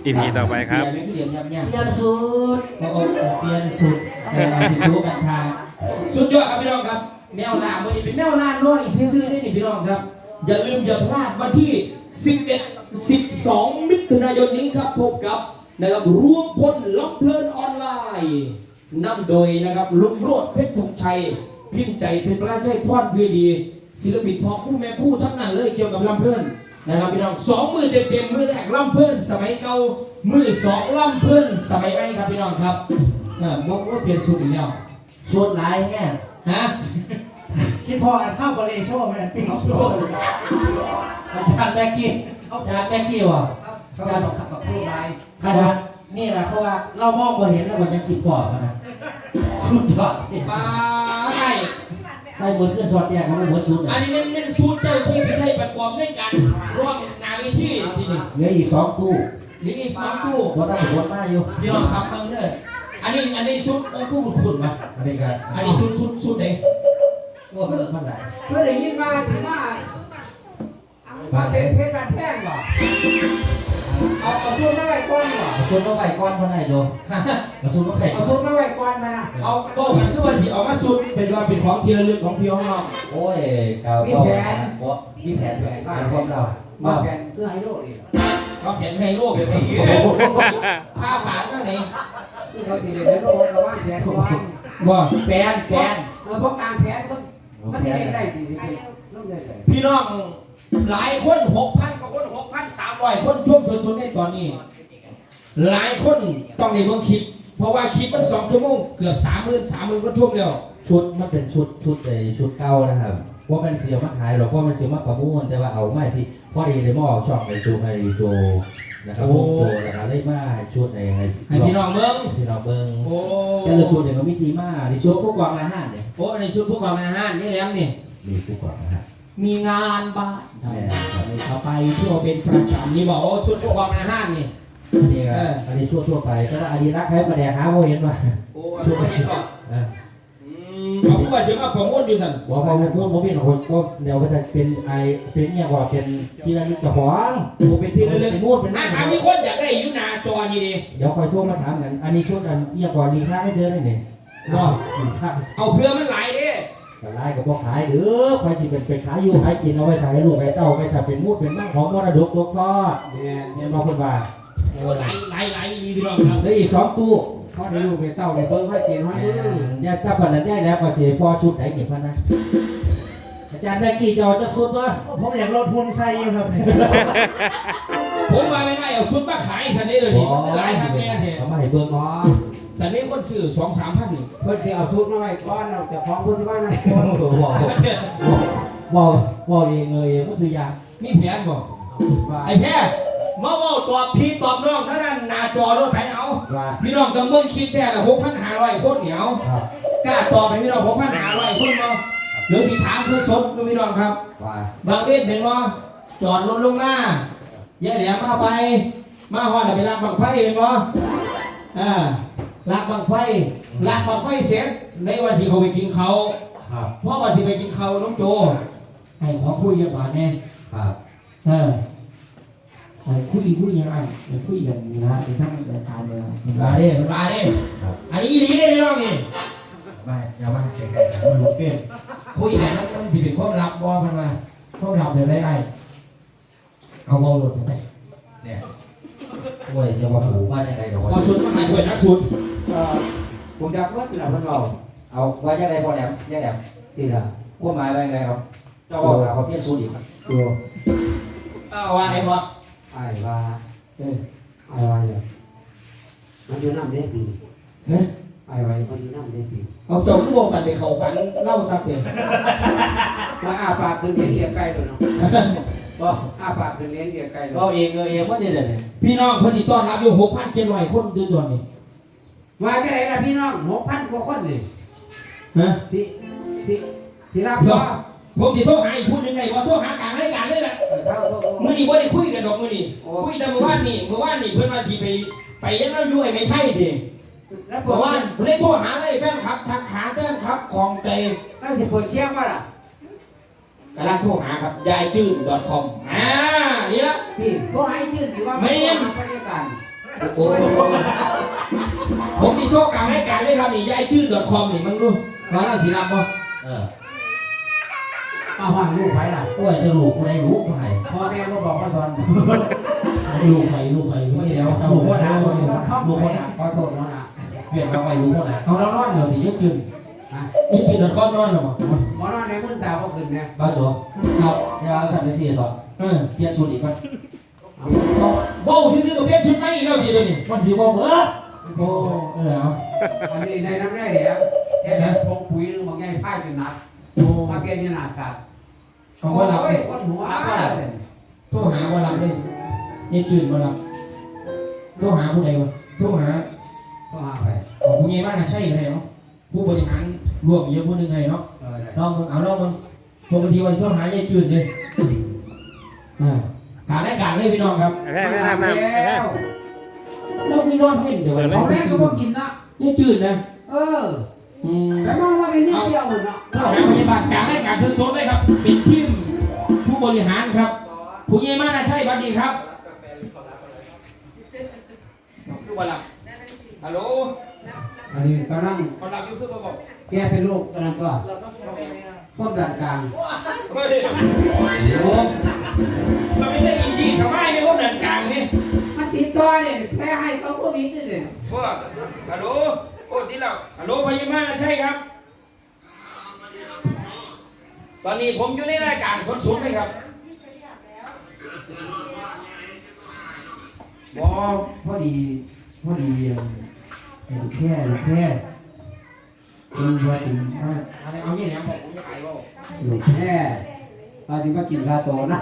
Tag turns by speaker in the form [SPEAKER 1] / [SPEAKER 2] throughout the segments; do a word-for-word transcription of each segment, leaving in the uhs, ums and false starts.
[SPEAKER 1] อีพีต่อไปครับ
[SPEAKER 2] เสียเปลี่ยนยับยั้ง
[SPEAKER 3] เปลี่ยนสูตร
[SPEAKER 2] โอ้โหเปลี่ยนสุดเออเอาไปสู้กันทางสุดยอดครับพี่น้องครับแมวล่าวันนี้เป็นแมวล่าน้อยซื่อๆได้นี่พี่น้องครับอย่าลืมอย่าพลาดวันที่สิบเอ็ด สิบสองมิถุนายนนี้ครับพบกับนะครับรวมพลลำเพลินออนไลน์นำโดยนะครับลุงโรดเพชรธงชัยพิมพ์ใจเพชรพระราชพรพีดีศิลปินพอคู่แม่คู่ทั้งนั้นเลยเกี่ยวกับลำเพลินนะครับพี่น้องสองมือเต็มๆมือแรกลำเพลินสมัยเก่ามือสองลำเพลินสมัยใหม่ครับพี่น้องครับเออบอกว่าเปลี่ยนสูตรอีกแล้ว
[SPEAKER 3] สูตรหลายแห้ง
[SPEAKER 2] ฮะ
[SPEAKER 4] คิดพอกันเข้าบริโชว์มันปิ้งโชว์
[SPEAKER 3] อาจารย์แม็กกี้อาจารย์แม็กกี้วะ
[SPEAKER 4] เขาจะบอกขับกับสู้ไร
[SPEAKER 3] ขนาดนี่แหละเขาว่าเรามองมาเห็นแล้วมันยังคิดพอขนาดสุดยอด
[SPEAKER 2] ปลาไก่
[SPEAKER 3] ใส่บนเครื่องสอดแยกมันไม่เหมือนสูตร
[SPEAKER 2] อันนี้เป็นเป็นสูตรเจ้าที่ไปใช้ประกอบด้วยกันร่วมนาวิธีนี่นี่
[SPEAKER 3] เหลืออีกสองตู้
[SPEAKER 2] นี่อีกสองตู้
[SPEAKER 3] หัวตั้งหัวหน้าอยู่
[SPEAKER 2] พี่น้องครับเพิ่มเลยอันนี้อันนี้ชุดโอ้ตู้ขุ่นๆมา
[SPEAKER 3] อันนี้กัน
[SPEAKER 2] อันนี้ชุดชุดชุดไหน
[SPEAKER 3] ว่ามันมันไหน
[SPEAKER 4] เพื่อได้ยินมาที่ว่ามาเป็นเพชรบาดแท่งหรอเอาเอาทุนมาไว้ก้อนหรอ
[SPEAKER 3] เอาสูตรมาไว้ก้อนคนไหนโดเอาสูตรมาไข่
[SPEAKER 4] เอาทุนมาไว้ก้อนมานะ
[SPEAKER 2] เอาโบ้กันคือว่าสิเอามาชุดเป็นว่าเป็นของที่ระลึกของพี่ของเรา
[SPEAKER 3] โอ้ยเก่าก็มีแผนแผนการพวกเรา
[SPEAKER 4] มาแผ่นเสื้อไฮโลนี่
[SPEAKER 2] ก็เห็นไฮโลเป็นไงผ้าผ่านก็ไหน
[SPEAKER 4] ที่เขาตีเลยไฮโลเราว่าแผ่นก้อน
[SPEAKER 2] ว่า
[SPEAKER 3] แฟนแฟน
[SPEAKER 4] เออเพราะกลางแผ่นมันมันจะเล่นได้ดีดีต้องได้เลย
[SPEAKER 2] พี่น้องหลายคนหกพันกว่าคนหกพันสามร้อยคนช่วงสุดๆในตอนนี้ หลายคนต้องในเมืองคลิป เพราะว่าคลิปมันสองชั่วโมงเกือบสามหมื่นสามหมื่นก็ช่วงเดียว
[SPEAKER 3] ชุดมันเป็นชุดชุดในชุดเก่านะครับว่ามันเสียมาขายหรอกว่ามันเสียมาประมูลแต่ว่าเอาไม่ที่พอดีเลยมาออกช่องในชูให้โจนะครับผมโจนะครับได้มาชุดในให้
[SPEAKER 2] ให้พี่น้องเมือง
[SPEAKER 3] พี่น้องเบิ้ง
[SPEAKER 2] โอ้
[SPEAKER 3] แต่ละชุดเนี่ยมันมีทีมาในชุดผู้กองอาหารเนี่ย
[SPEAKER 2] โอ้ในชุดผู้กองอาหารนี่แหล้วนี่
[SPEAKER 3] มีผู้กองอาหาร
[SPEAKER 2] มีงานบ้านเขาไปเพื่อเป็นประจำนี่บอกโอ้ชุดผู้กองอาหารนี่
[SPEAKER 3] นี่ครับอันนี้ชุดทั่วไปแต่ว่าอันนี้รักใครประเดี๋ยวหาโมเห็นว่า
[SPEAKER 2] โอ้ชุดเห็นก่อน
[SPEAKER 3] อ่า
[SPEAKER 2] เอาผู้ว่าเชื่อว่าผมมุ่นอยู่สัน
[SPEAKER 3] ว่าพอพูดผมเป็นคนก็เดี๋ยวก็จะเป็นไอเป็นเนี่ยว่าเป็นที่ระลึกเจ้าของ
[SPEAKER 2] โอ้เป็นที่ระลึก
[SPEAKER 3] เป็นมูดเป็น
[SPEAKER 2] อาถามมีคนอยากได้อยู่หน้าจอนี่ดิ
[SPEAKER 3] เดี๋ยวคอยช่วงมาถามกันอันนี้ชุดอันเนี่ยก่อนรีค่าให้เดือนนี่เนี่ยว่ารีค่า
[SPEAKER 2] เอาเพื่อมันไหลดิ
[SPEAKER 3] แต่ไล่กับพวกขายหรือใครสิเป็นเป็นขายอยู่ขายกินเอาไว้ขายลูกขายเต้าไปถ้าเป็นมูดเป็นมั่งของมรดกตกทอด
[SPEAKER 4] เนี่ย
[SPEAKER 3] เนี่ยมาคนว่า
[SPEAKER 2] โอ้ไหลไหลไหลพี่น้องครับ
[SPEAKER 3] แล้วอีกสองตู้
[SPEAKER 4] เขาได้ลูกไปเต้าในเบิ้งให้กินให้มือ
[SPEAKER 3] เนี่ยถ้าพันนั้นได้แล้วก็เสียพอสุดไหนเก็บพันนะอาจารย์แม่กี้จะเอาจะสุดวะ
[SPEAKER 4] ผมอยากลดทุนใส่อยู่ครับ
[SPEAKER 2] ผมมาไม่ได้เอาชุดมาขายสันนี้เลยดิหลายครั้งแน่เนี่ย
[SPEAKER 3] เขามาให้เบิ่ง
[SPEAKER 4] อ๋อ
[SPEAKER 2] สันนี้คนซื้อสองสามพันนี่
[SPEAKER 4] เพิ่นสิเอาชุดมาไว้ก้อนเราจะของเพิ่นที่บ้านนะ
[SPEAKER 3] บอกบอกบอกเองเลยมุสยา
[SPEAKER 2] มีแผนบอกไอ้แพ้มาว่าตอบพี่ตอบน้องเท่านั้นหน้าจอรถไถเอา
[SPEAKER 3] ว่า
[SPEAKER 2] พี่น้องต้องเมืองคิดแท้ละหกพันห้าร้อยคนเหนียว
[SPEAKER 3] ครับ
[SPEAKER 2] กล้าตอบไปพี่น้องหกพันห้าร้อยคนมาหรือสิถามคือสดพี่น้องครับ
[SPEAKER 3] ว่า
[SPEAKER 2] บางเวทเป็นว่าจอดรถลงหน้าแย่แหลมมาไป มาหอดไปลากบังไฟเป็นว่าอ่าลากบังไฟลากบังไฟเสร็จในวันที่เขาไปกินเขา
[SPEAKER 3] ครับ
[SPEAKER 2] เพราะวันที่ไปกินเขาน้องโจให้ขอคุยกันหวานแน่
[SPEAKER 3] ครับ
[SPEAKER 2] เออไอ้คุยคุยยังไงไอ้คุยกันนี่นะไอ้ทั้งรายการเลยมาเด้มาเด้อันนี้ดีได้ไหมน้องนี่
[SPEAKER 3] ไม่อย่ามาแข่งๆมันรู้เฟ้น
[SPEAKER 2] คุยกันแล้วมันสิเป็นความลับบ่พันมาความลับเดี๋ยวได้ไอ้เอาเบาหลุดไป
[SPEAKER 3] เนี่ยโอ้ยจะมาผูกว่ายังไงเดี๋ยว
[SPEAKER 2] พอสุดมาหายป่วยนักสุด
[SPEAKER 4] เอ่อผมอยากเมื่อไหร่เพิ่นเรา
[SPEAKER 3] เอาว่ายังไงพอแหลมยังแหลม
[SPEAKER 4] ที่ละ
[SPEAKER 3] ขั้วไม้ว่ายังไงครับเจ้าบอกเขาเพี้ยนสูตรอีก
[SPEAKER 4] ตัว
[SPEAKER 2] เอาว่าไอ้พอ
[SPEAKER 4] ไอ้ว่า
[SPEAKER 2] เออ
[SPEAKER 4] ไอ้ว่าเนี่ยมันอยู่น้ำเด็ดดี
[SPEAKER 2] เฮ้ย
[SPEAKER 4] ไอ้ว่ามันอยู่น้ำเด็ดดี
[SPEAKER 2] เอาจบพวกกันไปเขาฝันเล่าครับเด็ก
[SPEAKER 4] ว่าอาปากขึ้นเลี้ยงเกียร์ไก่ตัวเนาะก็อาปากขึ้นเลี้ยงเกียร์ไก่ตัว
[SPEAKER 3] ก็เองเงยเองว่าเนี่ยเนี่ย
[SPEAKER 2] พี่น้องเพิ่นที่ต้อนรับอยู่หกพันเจ็ดร้อยคนเดือนตัวนี้
[SPEAKER 4] ว่าแค่ไหนล่ะพี่น้องหกพันกว่าคนนี่
[SPEAKER 2] ฮะ
[SPEAKER 4] ที่ที่ที่รับ
[SPEAKER 2] เดี๋ยว
[SPEAKER 4] ว่า
[SPEAKER 2] ผมสิโทรหาอีกพูดยังไงว่าโทรหากลางรายการเลยแหละ
[SPEAKER 4] เท่าพวก
[SPEAKER 2] มื้อนี้บ่ได้คุยกันดอกมื้อนี้คุยแต่เมื่อวานนี่เมื่อวานนี่เพิ่นว่าสิไปไปยังเราอยู่ไอ้ไม่ไทยดิ
[SPEAKER 4] แล้วผ
[SPEAKER 2] เมื่
[SPEAKER 4] ม
[SPEAKER 2] อวา
[SPEAKER 4] ว่าน
[SPEAKER 2] เพิ่นเลยโทรหาเลยแฟนคลับทักหาแฟนคลับของใจ
[SPEAKER 4] น่าจะเปิดเชียงว่าล่ะ
[SPEAKER 2] กำลังโทรหาครับยายจื้น .com อ่านี่ละ
[SPEAKER 4] พี่เขาให้ยื่นถือว่า
[SPEAKER 2] ไม่
[SPEAKER 4] ไม่บริการ
[SPEAKER 2] ผ
[SPEAKER 3] โอ้โห
[SPEAKER 2] ผมมีโชคกลางรายการเลยครับนี่ยายชื่อ .com นี่มึงดูมาแล้วสีรับป่ะ
[SPEAKER 3] เออ
[SPEAKER 4] มาห้องลูกไผล่ะ
[SPEAKER 3] โอ้ยจะรู้กูได้รู้กูให้
[SPEAKER 4] พ่อแม่บ่บอกพ่อสอน
[SPEAKER 2] ลูกใครลูกใครไม่เดียวเอาลูกพ่อดาวลูกพ่อดาว
[SPEAKER 4] ขอโทษน้องนะ
[SPEAKER 3] เปลี่ยนมาไปรู้คนไหน
[SPEAKER 2] เอาแล้วนอนเหรอที่ยายชื่อ
[SPEAKER 4] ฮะ
[SPEAKER 2] ยายชื่อ .com นอนเหรอ
[SPEAKER 4] หมอนอนในมือตาบ่ขึ้นเนี่ย
[SPEAKER 3] บ้าจ๋อ
[SPEAKER 2] ครับ
[SPEAKER 3] เดี๋ยวสั่นไปสี่ต่อ
[SPEAKER 2] เออ
[SPEAKER 3] เปลี่ยนสูตรอีกป่ะ
[SPEAKER 2] โบ้ที่ซื้อกับเพี้ยนชุดไม่อีกแล้วดีเลยนี่
[SPEAKER 3] มันสีบ่เบิด
[SPEAKER 2] โอ้เออเอา
[SPEAKER 4] อันนี้ในน้ำได้แล้วแค่นั้นพงปุ๋ยนึงบางไงพายจนหนัก
[SPEAKER 2] โอ้
[SPEAKER 4] มาเปลี่ยนยีนาสัตว์
[SPEAKER 2] เอาว่ารับ
[SPEAKER 4] โอ้ยคนหัวอะไรเนี่ย
[SPEAKER 2] โทรหาว่ารับเลยยายจืดว่ารับโทรหาผู้ใดวะโทรหา
[SPEAKER 4] ต้องหาไป
[SPEAKER 2] ของผู้ใหญ่บ้านน่ะใช่เลยเนาะผู้บริหารร่วมเยอะผู้หนึงเลยเนาะ
[SPEAKER 4] เออได้
[SPEAKER 2] ลองมึงเอาลองมึงปกติวันโทรหายายจืดเลยอ่าการรายการเลยพี่น้องครับ
[SPEAKER 1] แม่แม่แม่แม่
[SPEAKER 4] แล้ว
[SPEAKER 2] เรามีนอนเพ่นเดี๋ยววัน
[SPEAKER 4] เขาแม่ก็บ่กินนะ
[SPEAKER 2] ยายจืดนะ
[SPEAKER 4] เออ
[SPEAKER 2] อืม
[SPEAKER 4] แต่มองว่าเป็นนิดเดียวหมดเนาะ
[SPEAKER 2] โทรหาพยาบาลการรายการสดๆเลยครับเป็นทีมผู้บริหารครับ ผู้ใหญ่บ้านน่ะใช่บัดดีครับคือว่าหลับฮัลโหล
[SPEAKER 4] อันนี้กำลัง
[SPEAKER 2] คนหลับอยู่คือบ่บอก
[SPEAKER 4] แก้เป็นโรคกำลังก็
[SPEAKER 2] เราต้องทำยังไงอ่ะ
[SPEAKER 4] ความดันกลาง
[SPEAKER 2] เฮ้ยโอ้เราไม่ได้อินดี้สมัยไม่ว่าเดินกลางนี่
[SPEAKER 4] มันติดต่อเนี่ยแพ้ให้ต้องโควิดนี่เนี่ย
[SPEAKER 2] พวกฮัลโหลโอ้ที่เราฮัลโหลพยาบาลใช่ครับ ตอนนี้ผมอยู่ในรายการสดๆเลยครับบอพอดีพอดีเอ่อแค่แค่เป็นว่าถึงว่าอะไรเอาเนี่ยแหละบอกผมจะขายว่า
[SPEAKER 4] ลูกแม่ตอนนี้ก็กินคาโตนะ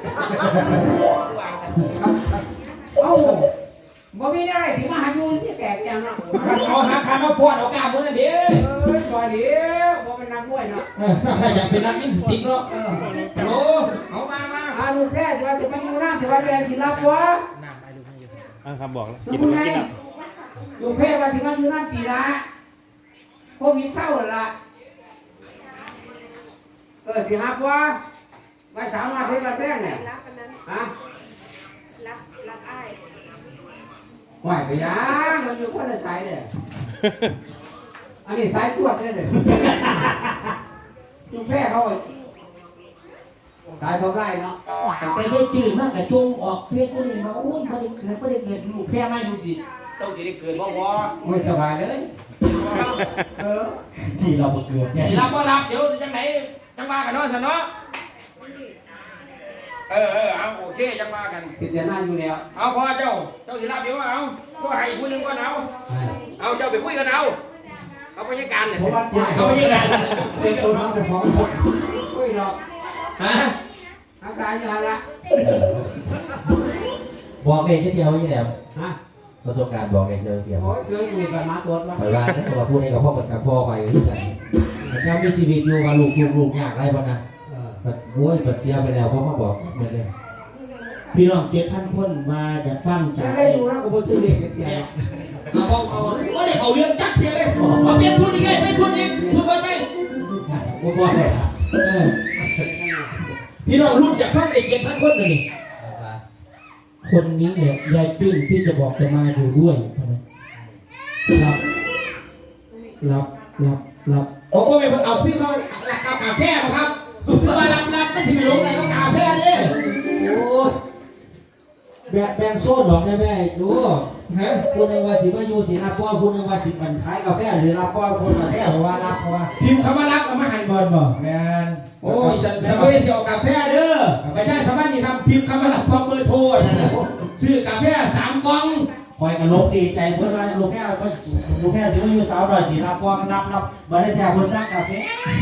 [SPEAKER 4] เอ้าบ่มีอะไรถึงมาหาอยู่สิแตกอย่างเนาะ
[SPEAKER 2] เอาหาคำมาฟอดเอากล้ามมันนะเด้
[SPEAKER 4] เอ้ยบ่เดียวบ่เป็นนักมวยเนาะ
[SPEAKER 2] อยากเป็นนักยิงสติ๊กเนาะ
[SPEAKER 4] เออ
[SPEAKER 2] ฮัลโหลเอามามา
[SPEAKER 4] อาลูกแพ้สิว่าสิมาอยู่น้ำสิว่าจะได้สิรับวะ
[SPEAKER 1] อ่ะครับบอกแล้ว
[SPEAKER 4] ลู
[SPEAKER 1] กิ
[SPEAKER 4] ก
[SPEAKER 1] น
[SPEAKER 4] ไง
[SPEAKER 1] แล้วกินแล้ว
[SPEAKER 4] ลูกแพ้ว่าสิมาอยู่น้ำปีละโควิดเศร้าแล้วล่ะเออสิรับวะไว้สามารถเฮ็ดมาแท้เนี่ย
[SPEAKER 5] รักอันนั้น
[SPEAKER 4] ฮะ
[SPEAKER 5] รักรักอ้าย
[SPEAKER 4] ไหวไปยังมันอยู่คนละสายเนี่ยอันนี้สายตรวจเนี่ยเลยลูกแพ้เขาเอาสายเขาไล่เนาะ
[SPEAKER 2] แต่ไปได้จืดมากแต่จงออกเฟซก็เลยมาโอ้ยไม่ได้เกิดไม่ได้เกิดลูกแพ้ไม่ดูสิต้องสิได้เกิดเพราะว่า
[SPEAKER 4] ไม่สบายเลย เออ
[SPEAKER 3] ที่เราเกิดเนี่ย
[SPEAKER 2] รับก็รับเดี๋ยวจังไหนจังมากันเนาะสิเนาะเออเออเอาโอเคจังมากัน
[SPEAKER 4] พิจารณาอยู่แล้ว
[SPEAKER 2] เอาพอเจ้าเจ้าสิรับเดี๋ยวเอาก็ให้ผู้หนึงก็เอาเอาเจ้าไปคุยกันเอาเอาไปยังการเนี่ย
[SPEAKER 4] ผมว่า
[SPEAKER 2] เอาไปยังการ
[SPEAKER 4] เป็นตัวน้องเป็นของคุยหรอก
[SPEAKER 2] ฮะ
[SPEAKER 4] อาการอย่างละ
[SPEAKER 3] บอกเองแค่เดียวนี่แหละ
[SPEAKER 4] ฮะ
[SPEAKER 3] ประสบการณ์บอกเองเดียวเดียว
[SPEAKER 4] โอ้ยเสืออยู่กับมาตัวละ
[SPEAKER 3] ไปว่าถ้าว่าพูดให้กับพ่อกับพ่อไปที่ใส่ยังมีชีวิตอยู่กับลูกลูกลูกยากไรบ้างนะ
[SPEAKER 4] เออ
[SPEAKER 3] แบบโว้ยแบบเสียไปแล้วพ่อมาบอกเหมือนเลย
[SPEAKER 2] พี่น้องเจ็ดพันคนมาแบบฟังจา
[SPEAKER 4] จะ
[SPEAKER 2] ก
[SPEAKER 4] ได้ดูนะกูบ่ซื้อเด็กเดียว
[SPEAKER 2] เอาเอาเอาว่าเลยเอาเรื่องจักเทียเลยเอาเปลี่ยนชุดอีกไงไม่ชุดอีกชุดไปไหม
[SPEAKER 3] พ่อพ่อเลย
[SPEAKER 2] เออพี่น้องรุ่นจากฟังเด็กเจ็ดพันคนเลยนี่คนนี้เนี่ยยายจื้นที่จะบอกจะมาอยู่ด้วยรับรับรับรับผมก็ไม่เอาพี่เขาเอากาแฟมาครับมารับรับไม่ถึงหลงไหนก็กาแฟเนี่ย
[SPEAKER 3] โอ้แบ่งแบ่งโซ่ดอกได้แม่ดู
[SPEAKER 2] ฮะ
[SPEAKER 3] คุณในว่าสิมาอยู่สิรับพ่อคุณในว่าสิมันขายกาแฟหรือรับพ่อคนกาแฟหรือว่ารับเพราะว่า
[SPEAKER 2] พิมพ์คำว่ารับกับมาหันบอลบอก
[SPEAKER 3] แมน
[SPEAKER 2] โอ้ยฉันจะไม่ได้เสียกาแฟเด้อไปได้สมัครนี่ครับพิมพ์คำว่ารับความเบอร์โทรนะซื้อกาแฟสามกล่อง
[SPEAKER 3] คอยกันลบดีใจเพื่อนว่าลูกแม่ลูกแม่สิมาอยู่สาวดอยสิรับพ่อรับรับมาได้แถวคนสร้างกาแฟ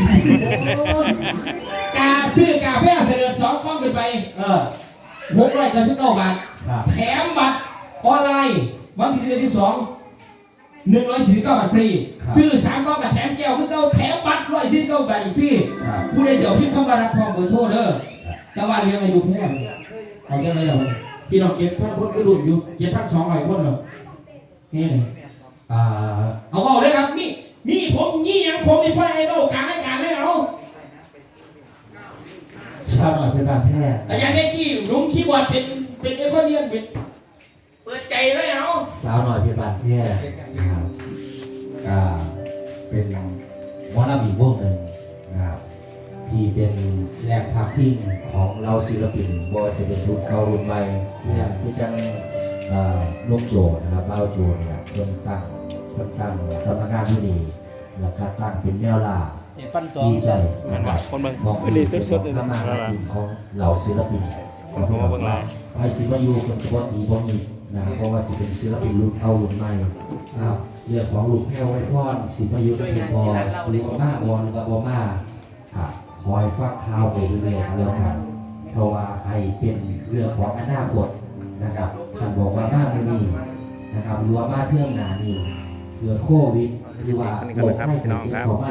[SPEAKER 2] กาซื้อกาแฟเสนอสองกล่องขึ้นไป
[SPEAKER 3] เออ
[SPEAKER 2] หกร้อยเก้าสิบเก้าบาท
[SPEAKER 3] ครับ
[SPEAKER 2] แถมบัตรออนไลน์วันที่สิบเอ็ดที่สองหนึ่งร้อยสี่สิบเก้าบาทฟรีซื้อสามกล่องกับแถมแก้วคือเก้าแถมบัตรร้อยสี่สิบเก้าบาทอีกฟรี
[SPEAKER 3] ครับ
[SPEAKER 2] ผู้ใดเสียวพิมพ์คำว่ารับความเบอร์โทรเด้อแต่ว่าเรียงอายุแพงเอาแค่ไหนล่ะพี่น้องเก็บพันคนก็รุ่นอยู่เก็บพันสองร้อยคนเหรอนี่เลย
[SPEAKER 3] อ่า
[SPEAKER 2] เอาเอาเลยครับนี่นี่ผมนี่ยังผมมีพ่อไอ้โลกการรายการเลยเอา
[SPEAKER 3] สาวหน่อยเป็นบาดแผล
[SPEAKER 2] แต่ยังไม่กี้ลุงคีย์บอร์ดเป็นเป็นเอคอนเลียนเป็นเปิดใจเลยเอา
[SPEAKER 3] าวหน่อยเพียบานแพร่นะครับก็เป็นหมอลำอีกวงหนึ่งนะครับที่เป็นแหล่งพักพิงของเราศิลปินบอยเซเว่นรุ่นเก่ารุ่นใหม่นะครับที่จังเอ่อลุงโจนะครับเล่าโจนะครับเพิ่มตั้งเพิ่มตั้งสำนักงานที่นี่แล้วก็ตั้งเป็นแนวล่า
[SPEAKER 1] ฟันสอง
[SPEAKER 3] ดีใจ
[SPEAKER 1] นั่น
[SPEAKER 3] นะค
[SPEAKER 1] ว่า
[SPEAKER 3] รับ
[SPEAKER 1] คนเบิ่ง
[SPEAKER 3] มอง
[SPEAKER 1] เอลีสุดๆเลย
[SPEAKER 3] ข้า
[SPEAKER 1] นะ
[SPEAKER 3] มาหากินของเหล่าศิลปิน
[SPEAKER 1] ผมก็มาเบิ่งหลาย
[SPEAKER 3] ไอซิมายูเป็นตัวดีบ่มีนะครับเพราะว่าสิเป็นศิลปินรุ่นเอารุ่นใหม่นะครับเรื่องของลูกแพ้วไว้พรสิมายูเป็นพอลูกมากวอนกับบ่มาครับคอยฟังข่าวไปเรื่อยๆแล้วกันเพราะว่าไอเป็นเรื่องของอนาคตนะครับท่านบอกว่ามาไม่มีนะครับหรือว่ามาเที่ยงหนานี่เกิดโควิดหรือว่าโรคให้เกิดขึ้นของ